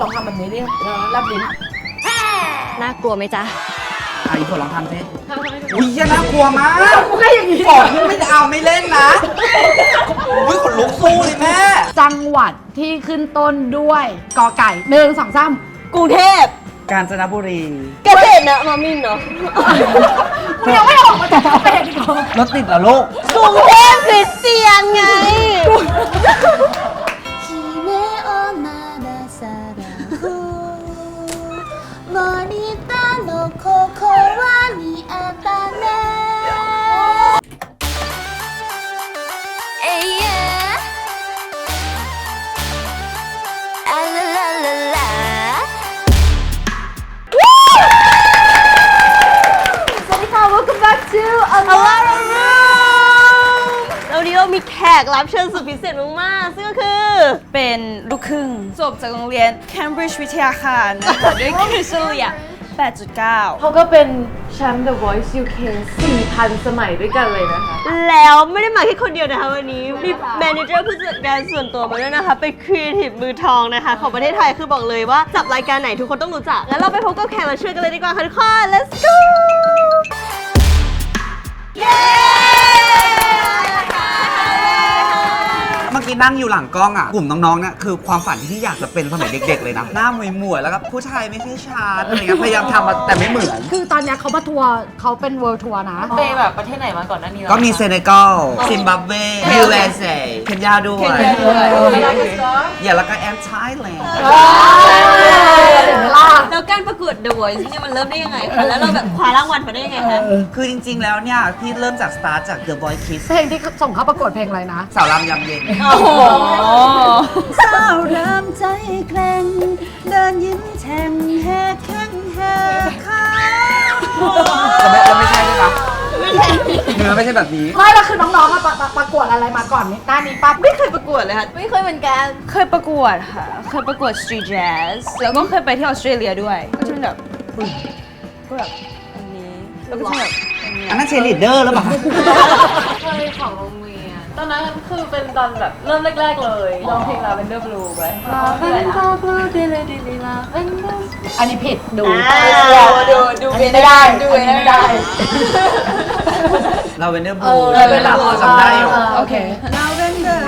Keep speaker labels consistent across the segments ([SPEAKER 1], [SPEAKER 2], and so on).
[SPEAKER 1] ลองทำแบบนี้ดิรับลิ้น
[SPEAKER 2] น่ากลัวไหมจ๊ะ
[SPEAKER 3] อีกคนลองทำสิอุ้ยน่ากลัวมาก
[SPEAKER 1] กูก็อย่างนี้
[SPEAKER 3] ฝนไม่เอาไม่เล่นนะอุ้ยขนลุกสู้เลยแม่
[SPEAKER 1] จังหวัดที่ขึ้นต้นด้วยกอไก่1 2 3
[SPEAKER 2] กรุงเทพ
[SPEAKER 3] กาญจนบุรี
[SPEAKER 2] เกษตรนะมามินเนาะ
[SPEAKER 1] กูยังไม่ออกมาจากกาแฟอีกเหรอ
[SPEAKER 3] รถติดเหรอลูก
[SPEAKER 2] กรุงเทพคริสเตียนไงวันนี้เรามีแขกรับเชิญสุดพิเศษมากๆซึ่งก็คือ
[SPEAKER 4] เป็นลูกครึ่งจบจากโรงเรียน Cambridge วิทยาคารนะคะด้วยคะแนนเฉลี่ย 8.9
[SPEAKER 5] เขาก็เป็นแชมป์ The Voice UK 4,000 สมัยด้วยกันเลยนะคะ
[SPEAKER 2] แล้วไม่ได้มาแค่คนเดียวนะคะวันนี้มีแมเนเจอร์ผู้จัดการส่วนตัวมาด้วยนะคะเป็นครีเอทีฟมือทองนะคะของประเทศไทยคือบอกเลยว่าจับรายการไหนทุกคนต้องรู้จักงั้นเราไปพบกับแขกรับเชิญกันเลยดีกว่าค่ะทุกคน let's go เย้
[SPEAKER 3] เมื่อกี้นั่งอยู่หลังกล้องอ่ะกลุ่มน้องๆเนี่ยคือความฝันที่อยากจะเป็นสมัยเด็กๆเลยนะหน้าหมวยๆแล้วก็ผู้ชายไม่ใช่ชาร์ตอะไรเงี้ยพยายามทำแต่ไม่เหมือน
[SPEAKER 1] คือตอนนี้เขามาทัวร์เขาเป็นเวิลด์ทัวร์นะ
[SPEAKER 5] ไปแบบประเทศไหนมาก่อนหน้านี้
[SPEAKER 3] ก็มีเซเนกัลซิมบับเวยูเอสเอเคนยาด้วยอย่าแล้วก็แอนไทแลนด์
[SPEAKER 2] แล้วการประกวด The Voice เนี่ยมันเริ่มได้ยังไงคะแล้วเราแบบคว้ารางวัลมาได้ยังไงคะ
[SPEAKER 3] คือจริงๆแล้วเนี่ยพี่เริ่มจากสตาร์ทจาก The Voice Kids
[SPEAKER 1] เพลงที่ส่งเข้าประกวดเพลงอะไรนะ
[SPEAKER 3] สาวรำยำเย็น
[SPEAKER 1] สาวเริ่มใจแกร่งเดินยิ้มแฉ่งแหกแข้งแหกขา
[SPEAKER 3] เราไม่ใช่ด้วยนะเนื้อไม่ใช่แบบนี้
[SPEAKER 1] ไม่แล้วคือน้องๆมาประกวดอะไรมาก่อนนี่ด้านนี้ปั๊บ
[SPEAKER 2] ไม่เคยประกวดเลยค่ะ
[SPEAKER 4] ไม่เคยเหมือนกันเคยประกวดค่ะเคยประกวด Street Jazz แล้วก็เคยไปที่ออสเตรเลียด้วยก็จะเป็นแบบก็แบบอันนี้แล้วก็จะแบบ
[SPEAKER 3] อันนั้นเชลิดเดอร์แล้วป่ะ
[SPEAKER 5] เคยของโรงเรียนตอนนั้นคือเป็นตอนแบบเริ่มแรกๆเลยร้องเพลง Lavender Blue ไป Lavender Blue ดิลิดิลิ Lavender
[SPEAKER 1] อันนี้ผิดดู
[SPEAKER 5] ดู
[SPEAKER 1] ไม่ได้ดูไม่ได้
[SPEAKER 3] เราเวนเดอร์บลูเป็นหลักจำได้อยู่
[SPEAKER 1] โอเคเราเวนเดอร์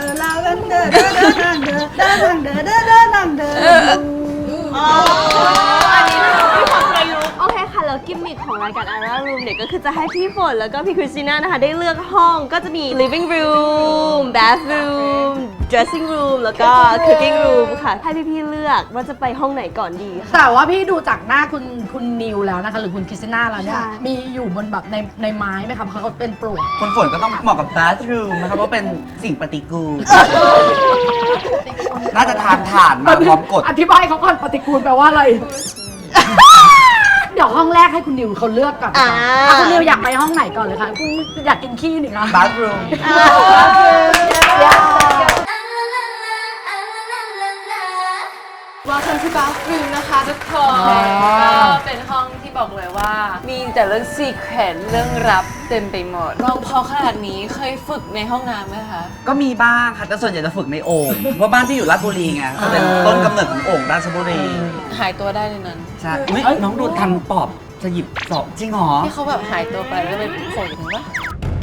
[SPEAKER 2] อันนี้มีความประยุกต์โอเคค่ะแล้วกิมมิคของรายการ Ara Room เนี่ยก็คือจะให้พี่ฝนแล้วก็พี่คริสติน่านะคะได้เลือกห้องก็จะมี living room bathroom dressing room แล้วก็ cooking room ค่ะให้พี่ๆเลือกว่าจะไปห้องไหนก่อนดี
[SPEAKER 1] แต่ว่าพี่ดูจากหน้าคุณนิวแล้วนะคะหรือคุณคริสติน่าแล้วเนี่ยมีอยู่บนแบบในไม้ไหมคะเพราะเขาเป็นปลวก
[SPEAKER 3] คนฝนก็ต้องเหมาะกับ bathroom นะครับเพราะเป็นสิ่งปฏิกูลน่าจะทานถ่านมาพร้อมกด
[SPEAKER 1] อธิบายเขาก่อนปฏิกูลแปลว่าอะไรเดี๋ยวห้องแรกให้คุณนิวเขาเลือกก่อนคุณนิวอยากไปห้องไหนก่อนเลยคะคุณอยากกินขี้นี่คะ
[SPEAKER 3] bathroom
[SPEAKER 5] Welcome to bathroom นะคะทุกคนก็เป็นห้องที่บอกเลยว่ามีแต่เรื่องซีเครตเรื่องลับเต็มไปหมดร้องพอขนาดนี้เคยฝึกในห้องน้ำไหมคะ
[SPEAKER 3] ก็มีบ้างค่ะแต่ส่วนใหญ่จะฝึกในโอ่งเพราะบ้านที่อยู่ราชบุรีไงก็เป็นต้นกำเนิดของโอ่งราชบุรี
[SPEAKER 5] หายตัวได้ในนั้น
[SPEAKER 3] ใช่น้องดูทันปอบจะหยิบสอบจริงหรอ
[SPEAKER 5] ที่เขาแบบหายตัวไปแล้วไปโผล่ถึงวะ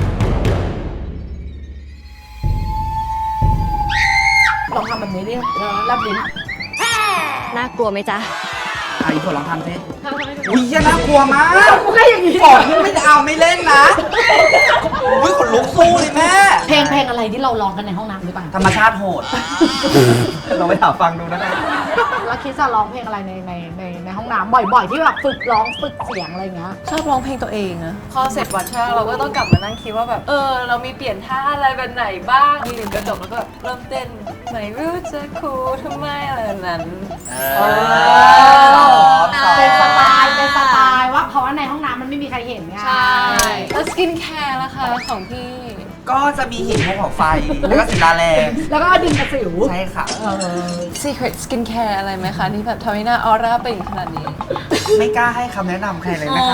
[SPEAKER 1] ลองทำแบบนี้ดิรับลิ้น
[SPEAKER 2] น่ากลัวไหมจ๊ะ
[SPEAKER 3] อีกคนลองทำสิอุ้ยน่ากลัวมาก
[SPEAKER 1] กูก็อย่างนี้
[SPEAKER 3] ฝนไม่เอาไม่เล่นนะอุ้ยขนลุกสู้เลยแม่
[SPEAKER 1] เพลงอะไรที่เราร้องกันในห้องน้ำหรือเปล่า
[SPEAKER 3] ธรรมชาติโหดลองไปถามฟังดูนะคะ
[SPEAKER 1] แล้วคิดจะร้องเพลงอะไรในห้องน้ำบ่อยๆที่แบบฝึกร้องฝึกเสียงอะไรเงี้ย
[SPEAKER 5] ชอบร้องเพลงตัวเองอะพอเสร็จวัดช่างเราก็ต้องกลับมานั่งคิดว่าแบบเรามีเปลี่ยนท่าอะไรแบบไหนบ้างมีหนึ่งกระจกแล้วก็เริ่มเต้นไม่รู้จะคูทำไมอะไรนั้น
[SPEAKER 1] เป็นสไตล์ว่าเพราะว่าในห้องน้ำมันไม่มีใครเห็นไง
[SPEAKER 5] ใช่แล้วสกินแคร์ล่ะคะของพี่
[SPEAKER 3] ก็จะมีหินภูเขาไฟแล้วก็ศิลาแรง
[SPEAKER 1] แล้วก็ดินกระสิว
[SPEAKER 3] ใช่ค่ะ
[SPEAKER 5] Secret Skincare อะไรไหมคะที่แบบทำให้หน้าออร่าเป็นขนาดนี้
[SPEAKER 3] ไม่กล้าให้คำแนะนำใครเลยนะคะ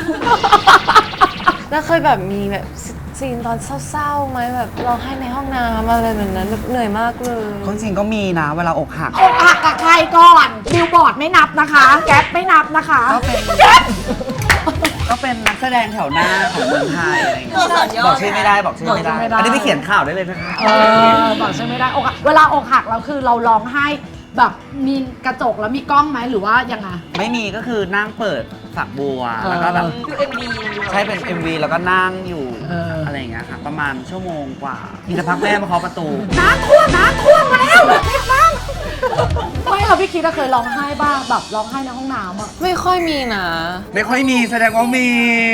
[SPEAKER 5] แล้วเคยแบบมีแบบซีนตอนเศร้าๆไหมแบบร้องไห้ในห้องน้ำอะไรแบบนั้นเหนื่อยมากเลย
[SPEAKER 3] จริงก็มีนะเวลาอกหัก
[SPEAKER 1] กับใครอะไรก่อนบิลบอร์ดไม่นับนะคะ แก๊ปไม่นับนะคะ
[SPEAKER 3] ก็เป็นนักแสดงแถวหน้าของเมืองไทยอะไรอย่างเงี้ยบอกชื่อไม่ได้บอกชื่อไม่ได้ อันนี้ไปเขียนข่าวได้เลยนะคะ
[SPEAKER 1] บอกใช่ไม่ได้อกหักเวลาอกหักเราคือเราร้องไห้แบบมีกระจกแล้วมีกล้องไหมหรือว่ายังไง
[SPEAKER 3] ไม่มีก็คือนั่งเปิดฝักบัวแล้วก็แบบใช่เป็น MV แล้วก็นั่งอยู่อะไรอย่างเงี้ยค่ะประมาณชั่วโมงกว่ามีสักพักแม่มาเคาะประตู
[SPEAKER 1] น้ำท่วมมาแล้วรีบฟังไม่ค่ะพี่คิดว่าเคยร้องไห้บ้างแบบร้องไห้ในห้องน้ำอ่ะ
[SPEAKER 5] ไม่ค่อยมีนะ
[SPEAKER 3] ไม่ค่อยมีแสดงว่ามี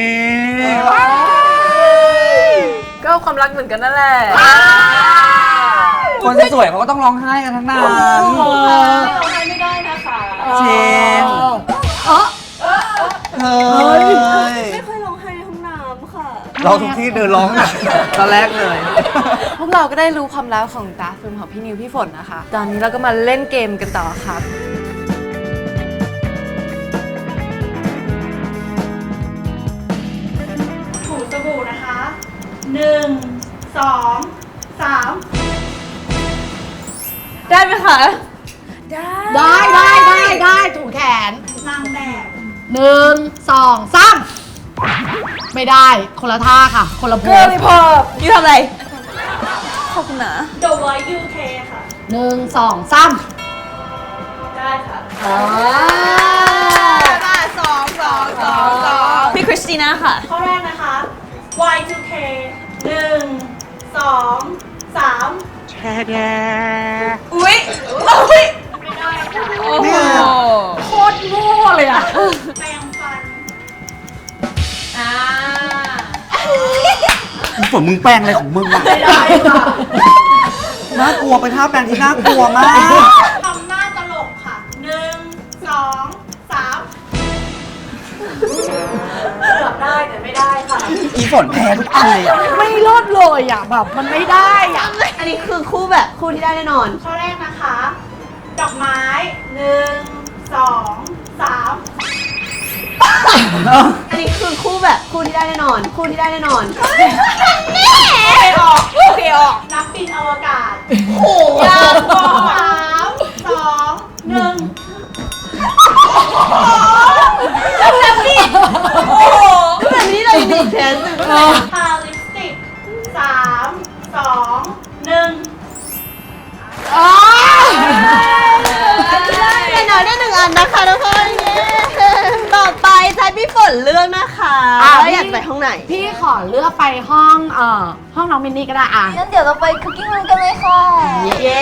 [SPEAKER 5] ก็ความรักเหมือนกันนั่นแหละ
[SPEAKER 3] คนสวยเขาก็ต้องร้องไห้กันทั้งนั้น
[SPEAKER 2] ไม่ได้นะคะ
[SPEAKER 3] เชนเฮ้ย
[SPEAKER 2] ไม่ค่อยร้องไห้ในห้องน้ำค่ะ
[SPEAKER 3] ร้องทุกที่เดินร้องอะตอนแรกเลย
[SPEAKER 5] พวกเราก็ได้รู้ความลับของตาฟิล์มของพี่นิวพี่ฝนนะคะ ตอนนี้เราก็มาเล่นเกมกันต่อครับ
[SPEAKER 1] ถูสบู่นะคะ1 2 3
[SPEAKER 2] ได้ไหมคะ
[SPEAKER 1] ได้ถูแขนนางแบบ1 2 3ไม่ได้คนละท่าค่ะ คนละโพส
[SPEAKER 2] พอยูทำอะไร ขอบคุณนะ
[SPEAKER 1] The Voice UK ค่ะ1 2 3ได้ค่ะ
[SPEAKER 2] พี่คริสติน่าค่ะ
[SPEAKER 1] ข้อแรกนะคะ Y2K 1 2 3
[SPEAKER 2] อุ๊ย
[SPEAKER 3] เนี่ย
[SPEAKER 1] โคตรโง่เลยอ่ะแปรงฟัน
[SPEAKER 3] ฝนมึงแปลงอะไรของมึงอะ
[SPEAKER 1] ไม่ได้ค่ะ
[SPEAKER 3] น่ากลัวไปท่าแปลงที่น่ากลัวมาก
[SPEAKER 1] ทำหน้าตลกค่ะ1 2 3เกือบได้แต่ไม่ได้ค่ะ
[SPEAKER 3] อีฝนแพ้ทุกอันเลยอะ
[SPEAKER 1] ไม่รอดเลยอ่ะแบบมันไม่ได้อ่ะ
[SPEAKER 2] อันนี้คือคู่แบบคู่ที่ได้แน่นอน
[SPEAKER 1] ข้อแรกนะคะ ดอกไม้1 2 3
[SPEAKER 2] อันนี้คือคู่แบบคู่ที่ได้แน่นอน คู่ที่ได้แน่นอน
[SPEAKER 1] โอเคออกนักบินอวกาศโหยากกว่า3 2 1
[SPEAKER 2] แบบนี้เลยดีแทนสุด
[SPEAKER 1] ทาลิปสติก3 2 1อ๋อ
[SPEAKER 2] แต่หน่อยได้หนึ่งอันนะคะทุกคนเย้ต่อไปใช้พี่ฝนเลือกนะคะว่าอยากไปห้องไหน
[SPEAKER 1] พี่ขอเลือกไปห้องห้องน้องมินนี่ก็ได้อ่ะ
[SPEAKER 2] งั้นเดี๋ยวเราไปคุกกิ้งรูมกันเลยค่ะ เย้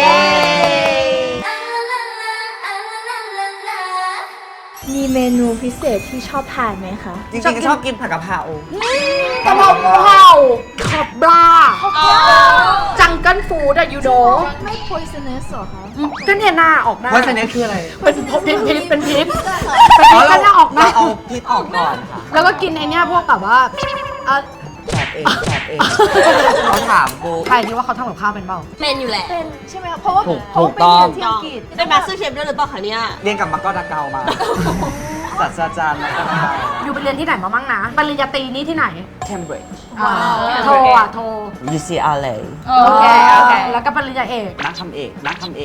[SPEAKER 6] มีเมนูพิเศษที่ชอบทานไหมคะ
[SPEAKER 3] จริงๆชอบกินผักกะเพราก
[SPEAKER 1] ะเพราหมูเห่าขอบบราจังเกิลฟู้ดอะยูโด
[SPEAKER 6] ไม่ poisonous หรอคะ
[SPEAKER 1] ก็เนี่ยหน้าออกหน้า
[SPEAKER 3] ว่าชนิดคืออะไร
[SPEAKER 1] เป็นพิษเป็นพิษ
[SPEAKER 3] อ๋อ
[SPEAKER 1] ก็หน้าออกหน้า
[SPEAKER 3] เราเอาพิษออกก่อนค่ะ
[SPEAKER 1] แล้วก็กินไอเนี้ยพวกแบบว่าเอ่อ
[SPEAKER 3] แสบเองเขาถามกู
[SPEAKER 1] ใครคิดว่าเขาทำกับข้าวเป็นเปล่า
[SPEAKER 2] เป็นอยู่แหละ
[SPEAKER 6] เป็นใช่ไหมคะ เพราะว่า
[SPEAKER 3] ถูกต้อง
[SPEAKER 6] ที่อังกฤษ
[SPEAKER 2] เป็นมาสเตอร์เชฟด้วยหรือเปล่าคะเนี่ย
[SPEAKER 3] เรียนกับมักกอดาเกามาศาสตราจารย์มักกอดาเกา
[SPEAKER 1] อยู่ไปเรียนที่ไหนมาบ้างนะปริญญาตรีนี่ที่ไหน
[SPEAKER 3] Cambridge
[SPEAKER 1] โทอ่ะโท
[SPEAKER 3] UCLA
[SPEAKER 1] โอเคแล้วก็ปริญญาเอก
[SPEAKER 3] นักทำเอกนักทำเอก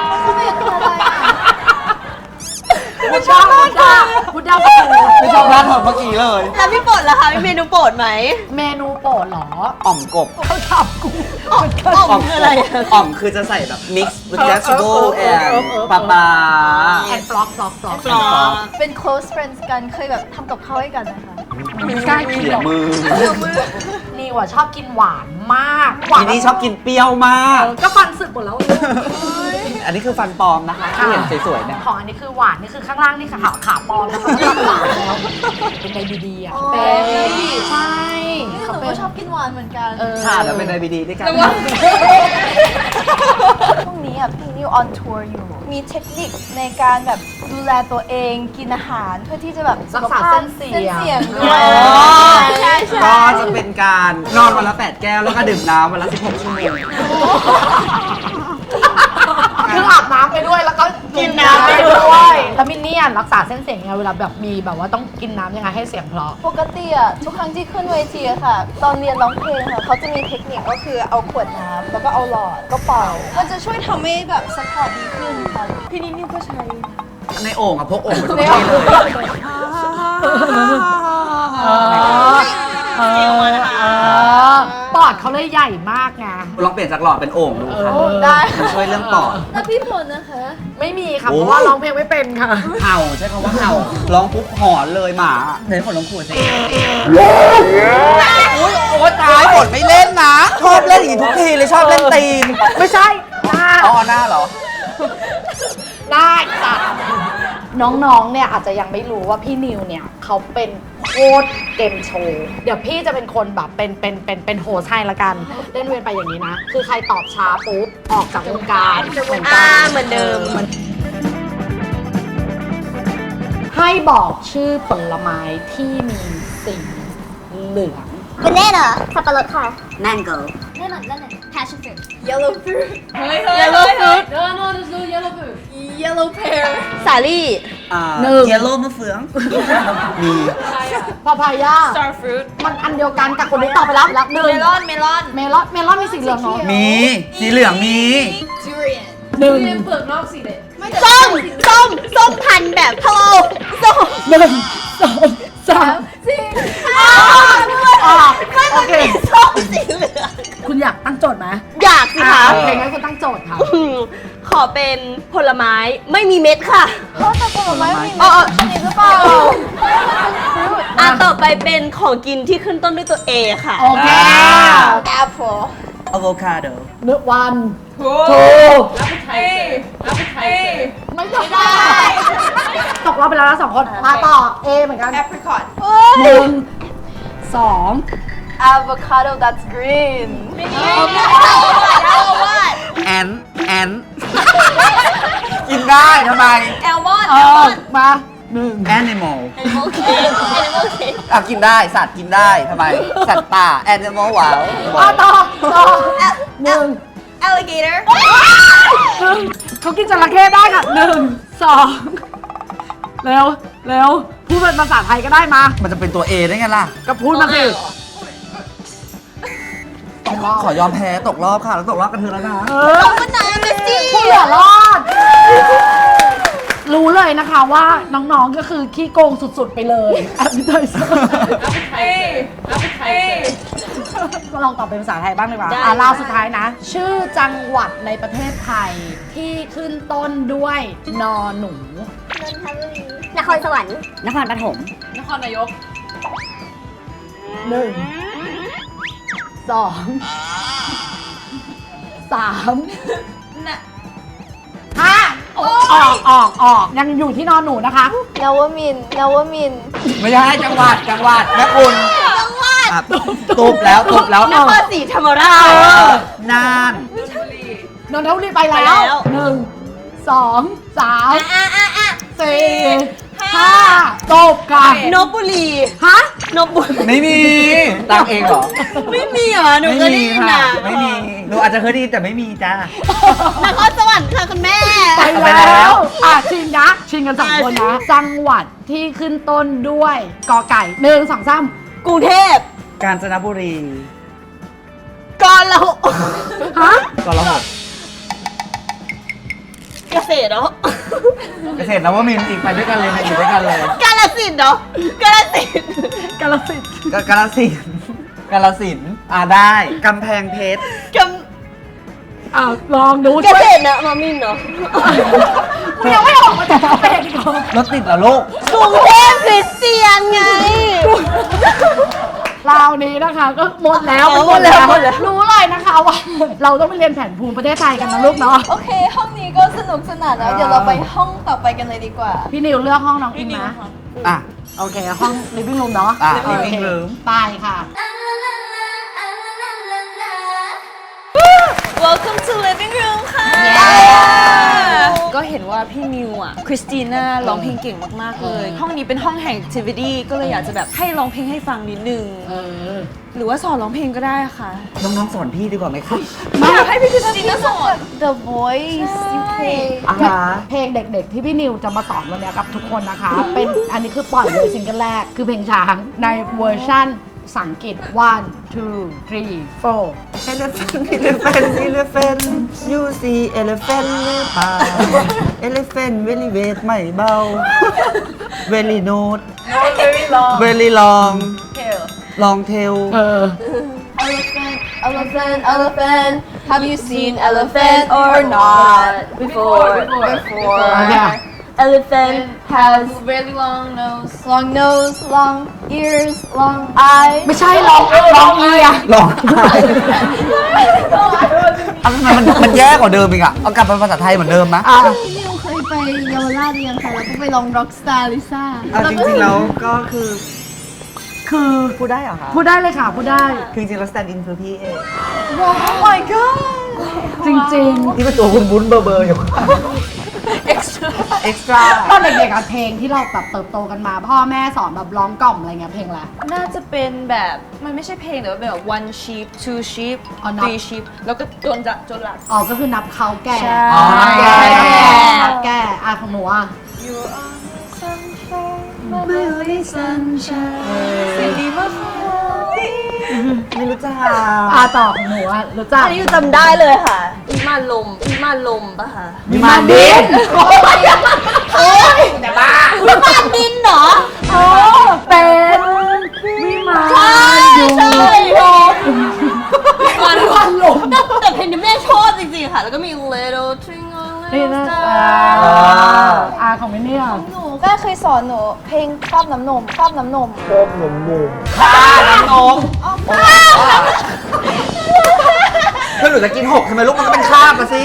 [SPEAKER 1] พุทธาพุทธาประตู
[SPEAKER 3] ไม่ชอบร้านของเมื่อกี้เลย
[SPEAKER 2] แล้วพี่โปรดล่ะคะมีเมนูโปรดไหม
[SPEAKER 1] เมนูโปรดเหรอ
[SPEAKER 3] อ่อมกบ
[SPEAKER 1] เขาถามกู
[SPEAKER 2] อ่อมคืออะไรอะ
[SPEAKER 3] อ่อมคือจะใส่แบบ mix with vegetable and ปลาปลา
[SPEAKER 1] แอนฟล็อกฟล็อก
[SPEAKER 6] เป็น close friends กันเคยแบบทำกับข้าวให้กันนะคะ
[SPEAKER 1] กล้ากิน
[SPEAKER 3] เขี่
[SPEAKER 1] ห
[SPEAKER 3] ย
[SPEAKER 1] รอ
[SPEAKER 3] มือ
[SPEAKER 1] นี่ว่ะชอบกินหวานมากหวา
[SPEAKER 3] ทีนี้ชอบกินเปรี้ยวมาก
[SPEAKER 1] ก็ฟันสึกหมดแล้ว
[SPEAKER 3] อันนี้คือฟันปลอมนะคะที่เห็นสวยๆเนี่ย
[SPEAKER 1] ของอันนี้คือหวานนี่คือข้างล่างนี่ค่ะขาปลอมนะคะหวานแล้วเป็นไดดีๆอ่ะเป็นใช่
[SPEAKER 6] นี่ห
[SPEAKER 1] เขา
[SPEAKER 6] นู
[SPEAKER 1] เป็
[SPEAKER 6] ก็
[SPEAKER 1] น
[SPEAKER 6] ชอบกินหวานเหมือนกัน
[SPEAKER 3] ค่ะเดี๋ยวเป็นไดบีดีด้วยกัน
[SPEAKER 6] ช่วงนี้อ่ะพี่นิว on tour อยู่ มีเทคนิคในการแบบดูแลตัวเองกินอาหารเพื่อที่จะแบบ
[SPEAKER 1] รักษาเส้นเสียง
[SPEAKER 6] ด้วย
[SPEAKER 2] ใช่
[SPEAKER 3] ก็จะเป็นการนอนวันละ 8 แก้วแล้วก็ดื่มน้ำวันละ 16 ชั่วโมง
[SPEAKER 1] คืออาบน้ำไปด้วยแล้วก็กินน้ำไปด้วยแล้วมินเนี่ยน
[SPEAKER 7] รักษาเส้นเสียงยังไงเวลาแบบมีแบบว่าต้องกินน้ำยังไงให้เสียงเพราะ
[SPEAKER 6] ปกติอะทุกครั้งที่ขึ้นเวทีอะค่ะ ตอนเรียนร้องเพลงค่ะเขาจะมีเทคนิคก็คือเอาขวดน้ำแล้วก็เอาหลอดก็เป่า มันจะช่วยทำให้แบบสปอร์ตดีขึ้นค่ะ พี่นิดนี่ก็ใช้
[SPEAKER 3] ในโอ่งอะพกโอ่งไปทุกที่เลย
[SPEAKER 7] ปอดเขาเลยใหญ่มากไง
[SPEAKER 3] ลองเปลี่ยนจากหลอดเป็นโอ่งดูค่ะ
[SPEAKER 6] ได้
[SPEAKER 3] มันช่วยเรื่องปอด
[SPEAKER 6] แล้วพี่ผลนะคะ
[SPEAKER 7] ไม่มีค่ะ
[SPEAKER 3] โอ้
[SPEAKER 7] เพราะว่าร้องเพลงไม่เป็นค่ะ
[SPEAKER 3] เห่าใช้คำว่าเห่าร้องปุ๊บหอนเลยหมาเห็นฝนลงขวดสิโอ้ตายฝนไม่เล่นนะ ชอบเล่นอย่างนี้ทุกทีเลยชอบเล่นตีน
[SPEAKER 7] ไม่ใช่หน้า
[SPEAKER 3] อ๋อหน้าเหรอ
[SPEAKER 7] ได้จ้ะน้องๆ เนี่ยอาจจะยังไม่รู้ว่าพี่นิวเนี่ยเขาเป็นโค้ชเกมโชว์ เดี๋ยวพี่จะเป็นคนแบบเป็นโฮสต์ให้ละกัน เล่นเวียนไปอย่างนี้นะ คือใครตอบช้าปุ๊บออกจากวงการเหมือนกัน
[SPEAKER 2] เหมือนเดิม
[SPEAKER 7] ให้บอกชื่อผลไม้ที่มีสีเหลือง
[SPEAKER 8] banana สับปะรดค่ะ
[SPEAKER 3] mango
[SPEAKER 8] passion fruit
[SPEAKER 6] yellow fruit
[SPEAKER 2] Yellow fruit
[SPEAKER 5] no there's no yellow fruit
[SPEAKER 6] yellow pear
[SPEAKER 2] สาลี่
[SPEAKER 3] เยลโล่มะเฟือง มี
[SPEAKER 7] พาพายา
[SPEAKER 2] star fruit
[SPEAKER 7] มันอันเดียวกันกับคนที่ตอบไปแล้วหนึ่ง
[SPEAKER 2] เมลอน
[SPEAKER 7] เมลอนมีสีเหลืองเนาะ
[SPEAKER 3] มีสีเหลืองมี
[SPEAKER 6] durian
[SPEAKER 7] หนึ่ง
[SPEAKER 5] เรียนเปลือกนอกสีเด็ด
[SPEAKER 2] ส้มพันธุ์แบบพะโล้ส้ม
[SPEAKER 7] หนึ่งสองสามโอเค
[SPEAKER 2] ส้มสีเหลือง
[SPEAKER 7] คุณอยากตั้งโจทย์ไหม
[SPEAKER 2] อยากสิคะ
[SPEAKER 7] เพลงนั้นคุณตั้งโจทย์ค่ะ
[SPEAKER 2] ขอเป็นผลไม้ไม่มีเม็ดค่ะ
[SPEAKER 6] เพราะแต่ผลไม้ไม่มีเม็ดชนิดหรือเปล่า
[SPEAKER 2] ต่อไปเป็นของกินที่ขึ้นต้นด้วยตัว A ค่ะ
[SPEAKER 7] โอเค
[SPEAKER 6] apple
[SPEAKER 3] avocado
[SPEAKER 7] หนึ่งวันถูกไม่ได้ตกรอบไปแล้วนะสองคน มาต่อ A เหมือนกัน
[SPEAKER 6] apricot
[SPEAKER 7] หนึ่งสอง
[SPEAKER 6] avocado that's green
[SPEAKER 3] แอน กินได้ทำไม
[SPEAKER 2] แอลมอน
[SPEAKER 7] มาหนึ่ง
[SPEAKER 3] animal
[SPEAKER 2] animal cake animal cake
[SPEAKER 3] กินได้สัตว์กินได้ทำไม สัตว์ป่า animal ว้าว
[SPEAKER 7] ต่อหนึ่ง
[SPEAKER 2] alligator
[SPEAKER 7] หนึ่งเขากินจระเข้ได้ค่ะหนึ่งสองเร็วพูดเป็นภาษาไทยก็ได้มา
[SPEAKER 3] มันจะเป็นตัว A ได้ไงล่ะ
[SPEAKER 7] ก็พูดมาสิตกรอบ
[SPEAKER 3] ขอยอมแพ้ตกรอบค่ะแล้วตกรอบกันเธอแล้วนะ
[SPEAKER 7] ผู้เหลือรอด รู้เลยนะคะว่าน้องๆก็คือขี้โกงสุดๆไปเลยแอปเปิลก็ลองตอบเป็นภาษาไทยบ้างดีกว่าลาวสุดท้ายนะ ชื่อจังหวัดในประเทศไทยที่ขึ้นต้นด้วยนอหนู
[SPEAKER 8] นครสวรรค์
[SPEAKER 3] นครปฐม
[SPEAKER 5] นครนายก
[SPEAKER 7] หนึ่งสองสามห้าออกยังอยู่ที่นอนหนูนะคะ
[SPEAKER 6] นวมินทร์
[SPEAKER 3] ไม่ใช่จังหวัดแม่คุณตุบแล้ว
[SPEAKER 2] นครศรีธรรมราช
[SPEAKER 3] น่าน
[SPEAKER 7] นนทบุรีไปแล้วหนึ่งสองสามสี่ห้าจบกัน
[SPEAKER 2] นบุรี
[SPEAKER 7] ฮะ
[SPEAKER 2] นบุรี
[SPEAKER 3] ไม่มีตังเองเหรอ
[SPEAKER 2] ไม่มีเหรอ หนูก็ได้ยินนะ
[SPEAKER 3] ไม่มีหนูอาจจะเคยได้ยินแต่ไม่มีจ้าน
[SPEAKER 2] ครสวรรค์ค่ะคุณแม่
[SPEAKER 7] ไปแล้วชิงนะชิงกันสองคนนะ จังหวัดที่ขึ้นต้นด้วยกอไก่หนึ่งสองสาม
[SPEAKER 2] กรุงเทพ
[SPEAKER 3] กาญจนบุรี
[SPEAKER 2] กาฬ
[SPEAKER 7] ฮะ
[SPEAKER 3] กรหก
[SPEAKER 2] เกษตรเนาะ
[SPEAKER 3] เกษตรนวมินทร์อีกไปด้วยกันเลยอยู่ด้วยกันเลย
[SPEAKER 2] กาฬสินธุ์เนาะกาฬสินธุ์
[SPEAKER 7] กาลสินธุ์
[SPEAKER 3] กาฬสินธุ์ได้กำแพงเพชร
[SPEAKER 2] ก
[SPEAKER 7] ลองดู
[SPEAKER 2] เก
[SPEAKER 7] ช่วย
[SPEAKER 2] ษตรนะมามินเนาะ
[SPEAKER 7] มึงยังไม่ออกมาจากกาแฟอีกเหรอ
[SPEAKER 3] รถติดเหรอลูก
[SPEAKER 2] กรุงเทพคริสเตียนไง
[SPEAKER 7] ราวนี้นะคะก็หมดแล้ว
[SPEAKER 2] หมดแล้ว
[SPEAKER 7] รู้เลยนะคะว่า เราต้องไปเรียนแผนภูมิประเทศไทยกันนะลูกเนาะ
[SPEAKER 6] โอเค ห้องนี้ก็สนุกสนานแล้ว เดี๋ยวเราไปห้องต่อไปกันเลยดีกว่า
[SPEAKER 7] พี่นิวเลือกห้องน้องอินนะ
[SPEAKER 3] อ่ะ
[SPEAKER 7] โอเค ห้อง living room เนาะ
[SPEAKER 3] อ่ะ
[SPEAKER 7] โอเค
[SPEAKER 3] living room
[SPEAKER 7] ไปค่ะ
[SPEAKER 2] Welcome to living room ค่ะ
[SPEAKER 4] ก็เห็นว่าพี่นิวอ่ะคริสติน่าร้องเพลงเก่งมากๆเลย ห้องนี้เป็นห้องแห่ง activity ก็เลยอยากจะแบบให้ร้องเพลงให้ฟังนิดนึงหรือว่าสอนร้องเพลงก็ได้ค่ะ
[SPEAKER 3] น้องๆสอนพี่ดีกว่าไหมคะ
[SPEAKER 4] อยากให้พี่คริสติน่าสอน
[SPEAKER 6] The Voice UK
[SPEAKER 7] เพลงเด็กๆ ที่พี่นิวจะมาสอนวันนี้กับทุกคนนะคะ เป็นอันนี้คือปล่อยเลยซิงเกิลแรก คือเพลงช้างในเวอร์ชั่นภาษาอังกฤษ 1 2 3 4
[SPEAKER 3] elephant you see elephant หรือเปล่า elephant very weight ไม่เบา very note
[SPEAKER 5] very long
[SPEAKER 3] very long
[SPEAKER 5] tail
[SPEAKER 3] long tail
[SPEAKER 6] Elephant, elephant, elephant. Have you seen elephant or not? Before. Elephant has
[SPEAKER 5] very long nose
[SPEAKER 6] long ears, long eyes.
[SPEAKER 7] ไม่ใช่ร้องเอีย
[SPEAKER 3] ลองทำไมมันแย่กว่าเดิมอีกอะเอากลับเป็นภาษาไทยเหมือนเดิมนะ
[SPEAKER 6] พี่นิวเคยไปเยาวราชหรือยังคะแล้วก็ไปลอง Rockstar Lisa
[SPEAKER 3] จริงๆแล้วก็คือพูดได้เหรอคะ
[SPEAKER 7] พูดได้เลยค่ะ พูดได้
[SPEAKER 3] คือจริงๆแล้ว stand in คือพี่เอง
[SPEAKER 6] Oh my god
[SPEAKER 7] จริง
[SPEAKER 3] ที่เป็นตัวคุณบุ้นเบอร์อยู่ extra
[SPEAKER 7] ๆ ตอนเด็กๆอะเพลงที่เราแบบเติบโตกันมา พ่อแม่สอนแบบร้องกล่อมอะไรเงี้ยเพลงอะไร
[SPEAKER 4] น่าจะเป็นแบบมันไม่ใช่เพลงแต่ว่าเป็นแบบ one sheep two sheep
[SPEAKER 7] อ๋อนับ
[SPEAKER 4] three sheep แล้วก็จนหลัก
[SPEAKER 7] อ๋อ ก็คือนับเขาแก่
[SPEAKER 4] ใช่
[SPEAKER 3] อ๋อนับแก่
[SPEAKER 7] นับแก่ของหนูอ่ะ
[SPEAKER 3] ไม่รู้จัก
[SPEAKER 7] ต่อของหนูอ่ะรู้จัก
[SPEAKER 2] อันนี้จำได้เลยค่ะวิมานลมปะคะ
[SPEAKER 3] มีมาดิน
[SPEAKER 7] แต่บ้า
[SPEAKER 2] วิมานดินเหรอ
[SPEAKER 7] เป็นวิมานอยู่
[SPEAKER 2] มันลมแต่เพลงนี้แม่ชอบจริงๆค่ะ แล้วก็มี Little Twinkle
[SPEAKER 7] นี่
[SPEAKER 2] Little
[SPEAKER 7] นะ
[SPEAKER 2] Star
[SPEAKER 7] ของไม่เนี่ย
[SPEAKER 6] หนูแม่เคยสอนหนูเพลงครอบน้ำนม
[SPEAKER 3] ข้าน้ำนมคือหนูจะกิน6ใช่ไหมลูกมันก็เป็นคาบมาสิ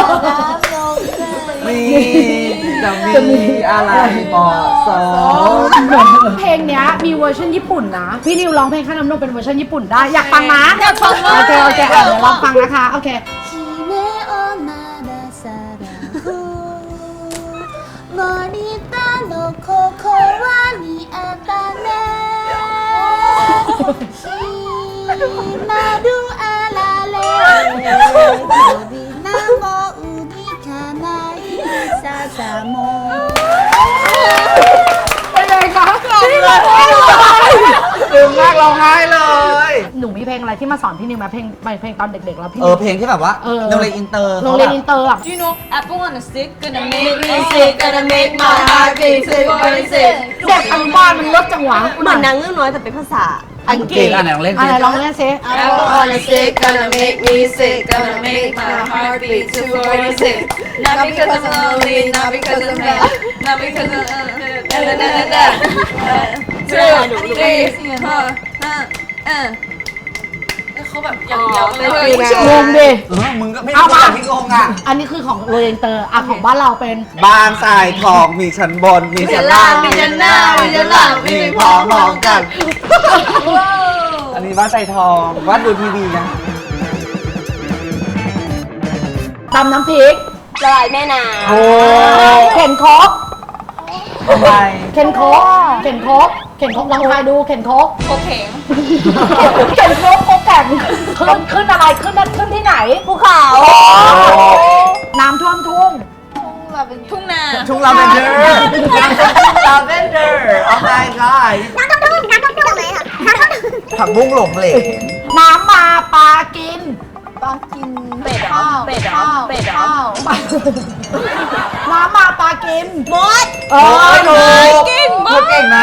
[SPEAKER 3] มีจะมีอะไรเหมาะสม
[SPEAKER 7] เพลงเนี้ยมีเวอร์ชันญี่ปุ่นนะ พี่นิวร้องเพลงข้าน้ำนมเป็นเวอร์ชันญี่ปุ่นได้ อยากฟังนะ
[SPEAKER 2] อยากฟังมาก
[SPEAKER 7] โอเคเดี๋ยวลองฟังนะคะ โอเค
[SPEAKER 8] 姫をまださらう森田のここはにあったねひまるあられ鳥なもうにかないささも
[SPEAKER 7] เป็นไงคะ
[SPEAKER 3] ดึงมากร้องไห้เลย
[SPEAKER 7] หนูมีเพลงอะไรที่มาสอนพี่นิวไหมเพลงตอนเด็กๆแล้วพี่
[SPEAKER 3] เพลงที่แบบว่าโรงเรียนอินเตอร์
[SPEAKER 7] โรงเรียนอินเตอร์อ่ะ
[SPEAKER 4] Do you know apple on a stick gonna make me sick gonna make my heart beat sick gonna sick
[SPEAKER 7] เด็กอนุบาลมันลดจังหวะ
[SPEAKER 2] เหมือนนางเงือกน้อยแต่เป็นภาษาอังกฤษ
[SPEAKER 3] อันไหนลองเล่น
[SPEAKER 7] อะไรร้องเล่นซิ
[SPEAKER 5] apple on a stick gonna make me sick gonna make my heart beat 246 not because I'm lonely not because I'm mad not because I'm เขาแบบยาวๆเลย
[SPEAKER 7] งงดิ
[SPEAKER 3] มึงก็ไม่
[SPEAKER 7] เอา
[SPEAKER 3] รู้
[SPEAKER 7] มา
[SPEAKER 3] จักพี่งงอ่ะ
[SPEAKER 7] อันนี้คือของโรงเรียนอินเตอร์ของบ้านเราเป็น
[SPEAKER 3] บ้านทรายทองมีชั้นบนมีชั้นล่างมีชั้นหน้ามีชั้นหลังมีพร้อมกัน อันนี้บ้านทรายทองวัดดูทีวีนะ
[SPEAKER 7] ตำน้ำพริก
[SPEAKER 2] ละลายแม่น้
[SPEAKER 3] โอ้
[SPEAKER 7] เข็นโคก
[SPEAKER 3] ทำไม
[SPEAKER 7] เข็นโคกลองทายดูเข็นโคก
[SPEAKER 4] โอเค
[SPEAKER 7] เข็นโคกแข่งขึ้นอะไรขึ้นที่ไหน
[SPEAKER 2] ภูเขา
[SPEAKER 7] น้ำท่วมทุ่ง
[SPEAKER 4] ทุ่งนา
[SPEAKER 3] ทุ่งลาเวนเดอร์ลาเวนเดอร์โอ้ my god ผักบุ้งหลงเหลว
[SPEAKER 7] น้ำมาปลากิน
[SPEAKER 6] ปลากิน
[SPEAKER 2] เป็ดเหรอ
[SPEAKER 6] ข้าว
[SPEAKER 2] เป็ดเหรอ
[SPEAKER 6] ข้าว
[SPEAKER 2] เป็ดเหรอ
[SPEAKER 6] ข้าว
[SPEAKER 7] น้ำมาปลากิน
[SPEAKER 2] มด
[SPEAKER 3] ถูกเก่งนะ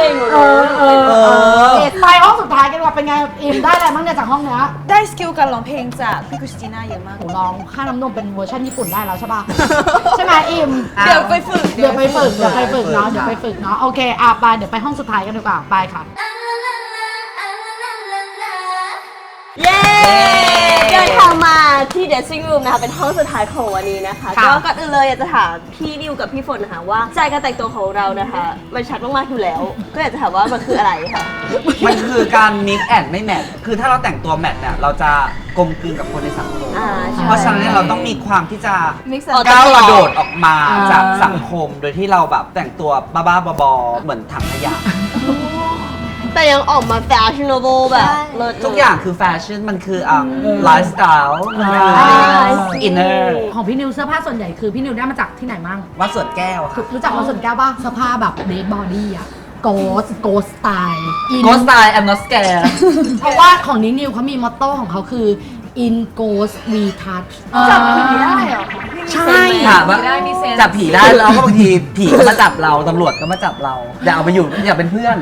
[SPEAKER 7] ไปห้องสุดท้ายกันว่าเป็นไงอิมได้อะไรบ้างเนี่ยจากห้องเนี้ย
[SPEAKER 4] ได้สกิลการร้องเพลงจากพี่คริสติน่าเยอะมาก
[SPEAKER 7] หนูร้องค่าน้ำนมเป็นเวอร์ชันญี่ปุ่นได้แล้วใช่ป่ะ ใช่ไหมอิม
[SPEAKER 4] เดี๋ยวไปฝึก
[SPEAKER 7] เดี๋ยวไปฝึกเนาะโอเคไปเดี๋ยวไปห้องสุดท้ายกันดีกว่าไปค่ะ
[SPEAKER 2] เย้เดินทางมาที่ dressing room นะคะเป็นห้องสุดท้ายของวันนี้นะคะ
[SPEAKER 7] ค่ะ
[SPEAKER 2] ก็ก่อนอื่นเลยอยากจะถามพี่นิวกับพี่ฝนนะคะว่าใจการแต่งตัวของเรานะคะมันชัดมากๆอยู่แล้ว ก็อยากจะถามว่ามันคืออะไรค่ะ
[SPEAKER 3] มันคือการ mix and ไม่แมทคือถ้าเราแต่งตัวแมทเนี่ยเราจะกลมกลืนกับคนในสังคม
[SPEAKER 2] ใช่
[SPEAKER 3] เพราะฉะนั้นเนี่ยเราต้องมีความที่จะ
[SPEAKER 6] mix
[SPEAKER 3] ก้าวกระโดดออกมาจากสังคมโดยที่เราแบบแต่งตัวบ้าๆบอๆเหมือนถังขยะ
[SPEAKER 2] แต่ยังออกมา fashionable แบบเลิศ
[SPEAKER 3] ทุกอย่างคือแฟชั่นมันคือไลฟ์สไตล์มันคืออินเนอร์
[SPEAKER 7] ของพี่นิวเสื้อผ้าส่วนใหญ่คือพี่นิวได้มาจากที่ไหนมั่ง
[SPEAKER 3] วัดสวนแก้วค่ะ
[SPEAKER 7] รู้จักวัดสวนแก้วป่ะเสื้อผ้าแบบเดทบอดี้อะโกสสไตล์
[SPEAKER 3] โกสไตล์ I'm not scared
[SPEAKER 7] เพราะว่าของนินิวเขามีมอตโต้ของเขาคือ in ghost we touch
[SPEAKER 6] จับผีได้เหรอ
[SPEAKER 7] ใช่
[SPEAKER 3] ถามว่า
[SPEAKER 5] ได้มีเซนส์
[SPEAKER 3] จับผีได้แล้วก็บางทีผีก็มาจับเราตำรวจก็มาจับเราอย่าเอาไปอยู่อย่าเป็นเพื่อน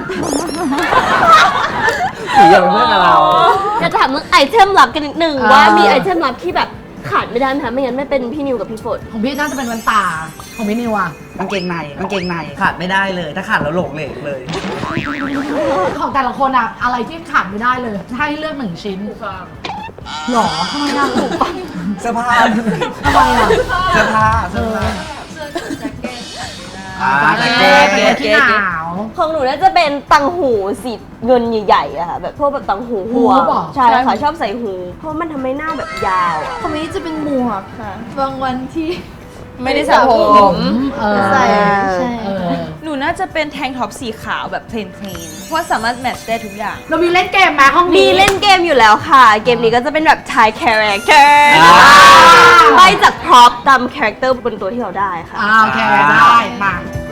[SPEAKER 3] ผีอย่าเป็นเพื่อนกับเรา
[SPEAKER 2] อยากจะถามเรื่องไอเทมลับกันนิดนึงว่ามีไอเทมลับที่แบบขาดไม่ได้ไหมคะไม่งั้นไม่เป็นพี่นิวกับพี่ฝน
[SPEAKER 7] ของพี่น่าจะเป็นวันตาของพี่นิวอะ
[SPEAKER 3] กางเกงในขาดไม่ได้เลย ถ้าขาดแล้วหลงเหลกเลย
[SPEAKER 7] ของแต่ละคนอะอะไรที่ขาดไม่ได้เลยถ้าให้เลือกหนึ่งชิ้นหรอทำไมอะถูกปะ
[SPEAKER 3] เสื้อผ้า
[SPEAKER 7] ทำไมอะ
[SPEAKER 3] เสื้อผ้าแจ็คเก็ต
[SPEAKER 7] ที่หนาว
[SPEAKER 2] ของหนูน่าจะเป็นตังหูสีเงินใหญ่ๆอะค่ะแบบพวกแบบตังหูหัว
[SPEAKER 7] หูเหรอ
[SPEAKER 2] ใช่ค่ะชอบใส่หู เพราะมันทำให้หน้าแบบยาวอะ
[SPEAKER 6] ของนี้จะเป็นหมวกค่ะ บางวันที่
[SPEAKER 4] ไม่ได้สระผม
[SPEAKER 6] ใส่ใช่
[SPEAKER 4] หนูน่าจะเป็นแทงท็อปสีขาวแบบเพลนๆเพราะว่าสามารถแมทช์ได้ทุกอย่าง
[SPEAKER 7] เรามีเล่นเกมไหมห้อง
[SPEAKER 2] มี
[SPEAKER 7] นี้
[SPEAKER 2] เล่นเกมอยู่แล้วค่ะ เกมนี้ก็จะเป็นแบบ Thai character ใบจากพร็อพตาม character บนตัวที่เราได้ค่ะ
[SPEAKER 7] โอเคได้มา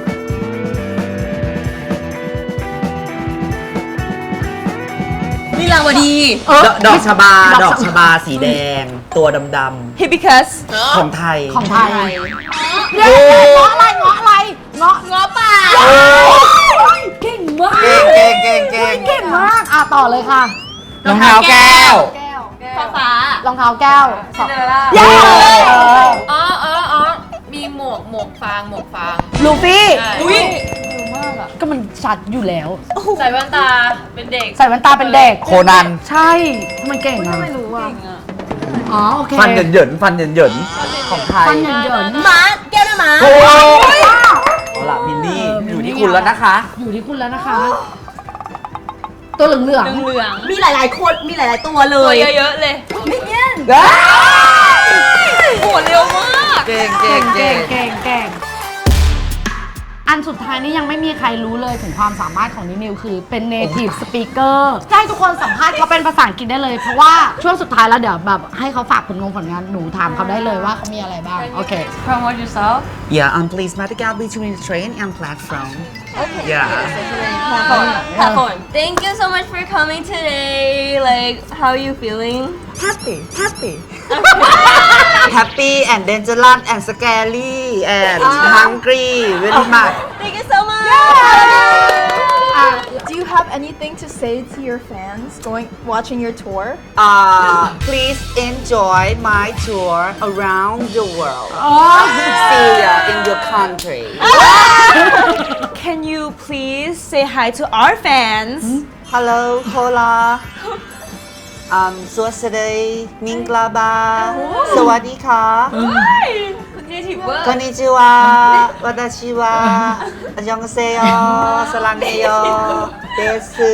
[SPEAKER 4] นี่ราวดี
[SPEAKER 3] ดอกชบาสีแดง ตัวดำ
[SPEAKER 4] ฮิบิคัส
[SPEAKER 3] ๆของไทย
[SPEAKER 7] ของไทยเย้เงาะอะไรเงาะอะไรเงาะป่าเก่งมาก
[SPEAKER 3] เก่ง
[SPEAKER 7] เก่งมากต่อเลยค่ะ
[SPEAKER 3] รองเท้าแก้ว
[SPEAKER 2] ฟ้าร
[SPEAKER 7] องเท้าแก้ว
[SPEAKER 5] ซินเดอเรลล่า
[SPEAKER 7] เย้
[SPEAKER 5] อ๋อมีหมวกฟาง
[SPEAKER 7] ลูฟี่
[SPEAKER 5] ใช่
[SPEAKER 4] อุ้ย
[SPEAKER 7] ก็มันชัดอยู่แล้ว
[SPEAKER 5] ใส่แว่นตาเป็นเด็ก
[SPEAKER 7] ใส่แว่นตาเป็นเด็ก
[SPEAKER 3] โคนัน
[SPEAKER 7] ใช่ทำไมเก่งอ่ะไม่รู้อ่ะอ๋อโอเค
[SPEAKER 3] ฟันเหยินของไทย
[SPEAKER 7] ฟันเหยิน
[SPEAKER 2] ม้าแก้วด้วยม้า
[SPEAKER 3] โอ้ยเอาล่ะมินนี่อยู่ที่คุณแล้วนะคะ
[SPEAKER 7] อยู่ที่คุณแล้วนะคะ ตัวเหลือง
[SPEAKER 4] เหลือง
[SPEAKER 2] มีหลายๆคนมีหลายๆตัวเล
[SPEAKER 4] ตัวย เยอะๆเลย โหเร็วมาก
[SPEAKER 3] เก่ง
[SPEAKER 7] เก่งอันสุดท้ายนี้ยังไม่มีใครรู้เลยถึงความสามารถของนินิวคือเป็น native speaker จะให้ทุกคนสัมภาษณ์เขาเป็นภาษาอังกฤษได้เลย เพราะว่าช่วงสุดท้ายแล้วเดี๋ยวแบบให้เขาฝากผลงานหนูถามเขาได้เลยว่าเขามีอะไรบ้าง โอเค
[SPEAKER 5] promote yourself
[SPEAKER 3] Yeah, please make out between the train and platform. Yeah.
[SPEAKER 2] Platform. Thank you so much for coming today. Like, how are you feeling?
[SPEAKER 3] Happy and dangerous and scary and hungry very much.
[SPEAKER 2] Thank you so much.
[SPEAKER 6] Do you have anything to say to your fans watching your tour?
[SPEAKER 3] Please enjoy my tour around the world. See ya in your country.
[SPEAKER 4] Can you please say hi to our fans
[SPEAKER 3] Hello, hola. Suwasadai, Minglaba, Sawadika,
[SPEAKER 5] คุณเนทีฟเวอร์
[SPEAKER 3] Konnichiwa, Watashi wa, Annyeonghaseyo, Sarangeyo, Desu.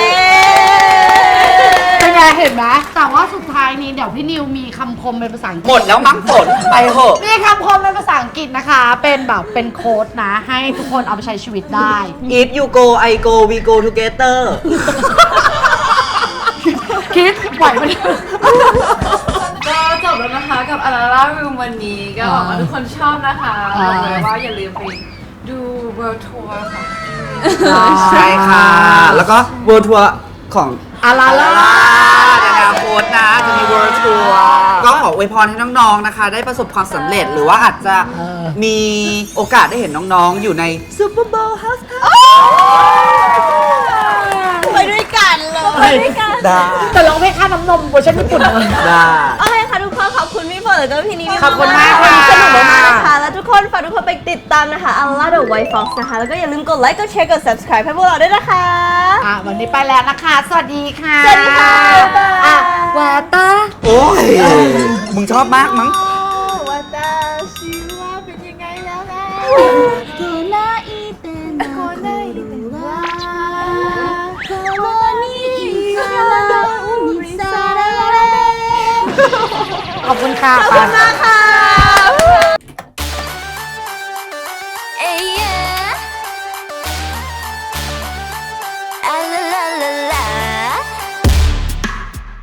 [SPEAKER 7] เป็นไงเห็นไหมแต่ว่าสุดท้ายนี้เดี๋ยวพี่นิวมีคำคมเป็นภาษาอังกฤษ
[SPEAKER 3] หมดแล้วมั้งฝนไปเหอะ
[SPEAKER 7] มีคำคมเป็นภาษาอังกฤษนะคะ เป็นแบบเป็นโค้ดนะ ให้ทุกคนเอาไปใช้ชีวิตได้
[SPEAKER 3] If you go I go we go together
[SPEAKER 7] คิดไหวไหม
[SPEAKER 5] ก็จบแล้วนะคะกับอาราล่ารูมวันนี้ก็หวังว่าทุกคนชอบนะคะบอกเลยว่าอย่าลืมไปดู World Tour ของ
[SPEAKER 3] ใช่ค่ะ แล้วก็ World Tour ของ
[SPEAKER 7] อาลาล่า
[SPEAKER 3] ในอนาคตนะจะมี World Tour ก็ขออวยพรให้น้องๆนะคะ ได้ประสบความสำเร็จหรือว่าอาจจะมีโอกาสได้เห็นน้องๆ อยู่ใน Super Bowl House
[SPEAKER 2] ไปด้วยกันเลยไปด้วยกัน
[SPEAKER 3] ได้
[SPEAKER 7] แต่ร้องเพลงค่าน้ำนมเวอร์ชันญี่ปุ่นเลย
[SPEAKER 3] ได้
[SPEAKER 2] โอเคค่ะทุกคนขอบคุณพี่ฝนแล้วก็พี่นิว
[SPEAKER 7] ขอบคุณมากค่ะ
[SPEAKER 2] สนุกมากๆนะคะแล้วทุกคนฝากทุกคนไปติดตามนะคะอัลล่าเดอะไวท์ฟ็อกซ์นะคะแล้วก็อย่าลืมกดไลค์กดแชร์กด subscribe ให้พวกเราด้วยนะคะ
[SPEAKER 7] วันนี้ไปแล้วนะคะ สวัสดีค่ะ
[SPEAKER 2] สวัสดีค่ะบ๊ายบาย
[SPEAKER 7] ววาตา
[SPEAKER 3] โอ้ย มึงชอบมากมั้ง
[SPEAKER 6] วาตาชิวะเป็นยังไงแล้วนะ
[SPEAKER 8] こないてなくるわこのにからにさらわれ
[SPEAKER 7] ขอบคุณค่ะขอบคุณมากค่ะ